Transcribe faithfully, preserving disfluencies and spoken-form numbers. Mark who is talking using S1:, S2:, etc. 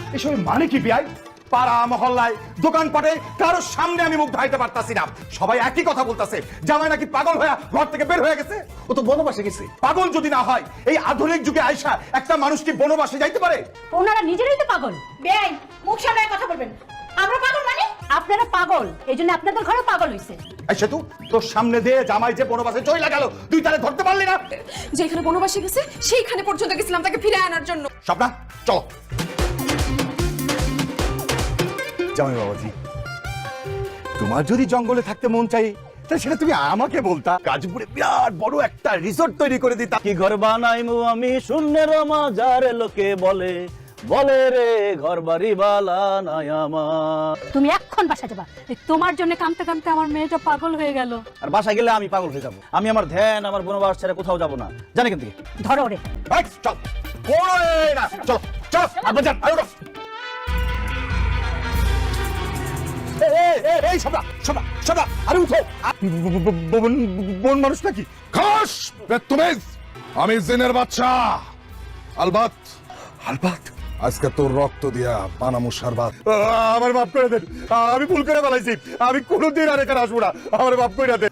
S1: এসব মানে কি বিয়াই? পাড়া মহল্লায় দোকানপাটে কারোর সামনে আমি মুখ ঢাইতে পারতাছি না, সবাই একই কথা বলতাছে, জামাই নাকি পাগল হয়ে ঘর থেকে বের হয়ে গেছে। ও তো বনবাসে গেছে। পাগল যদি না হয় এই আধুনিক যুগে আয়সা একটা মানুষ কি বনবাসে যাইতে পারে?
S2: ওনারা নিজেরাই তো পাগল।
S3: বেআই, মুখ সামলায় কথা বলবেন। আমরা পাগল মানে?
S2: আপনারা পাগল, এই জন্য আপনাদের ঘরে পাগল হইছে।
S1: আচ্ছা তুই তোর সামনে দিয়ে জামাই যে বনবাসে চলে গেল, তুই তাহলে ধরতে পারলি না?
S3: যেখানে বনবাসে গেছে সেইখানে পর্যন্ত গেছিলাম তাকে ফিরে আনার জন্য।
S1: স্বপ্না চলো। জামাই বাবাজি, তোমার যদি জঙ্গলে থাকতে মন চাই তাহলে সেটা তুমি আমাকে বলতা, গাজীপুরে বিরাট বড় একটা রিসোর্ট তৈরি করে দিতা।
S4: কি ঘর বানাইমু আমি শূন্যের মাঝার, লোকে বলে বলে রে ঘর বাড়ি বালা নাই আমার।
S2: তুমি এখন বাসা যাবা, এই তোমার জন্য কামতে কামতে আমার মেয়েটা পাগল হয়ে গেল।
S4: আর বাসা গেলে আমি পাগল হয়ে যাব। আমি আমার ধ্যান আমার বনবাস ছেড়ে কোথাও যাব না, জানি কিন্তু।
S2: ধরো রে।
S1: এই, চল ওরে না, চলো চলো আব্বা যান, আরে ওঠো। এই, এই, এই, এই সবরা সবরা সবরা, আরে উঠো। বন বন মানুষ নাকি?
S5: খাস বেত্তমেজ, আমি জিনের বাচ্চা আলবাত।
S1: আলবাত,
S5: আজকে তোর রক্ত দিয়া বানামু সারবাত।
S1: আমার মাফ করে দেন, আমি ভুল করে ফেলাইছি, আমি কোনোদিন আর এখানে আসবো না, আমার মাফ করে দেন।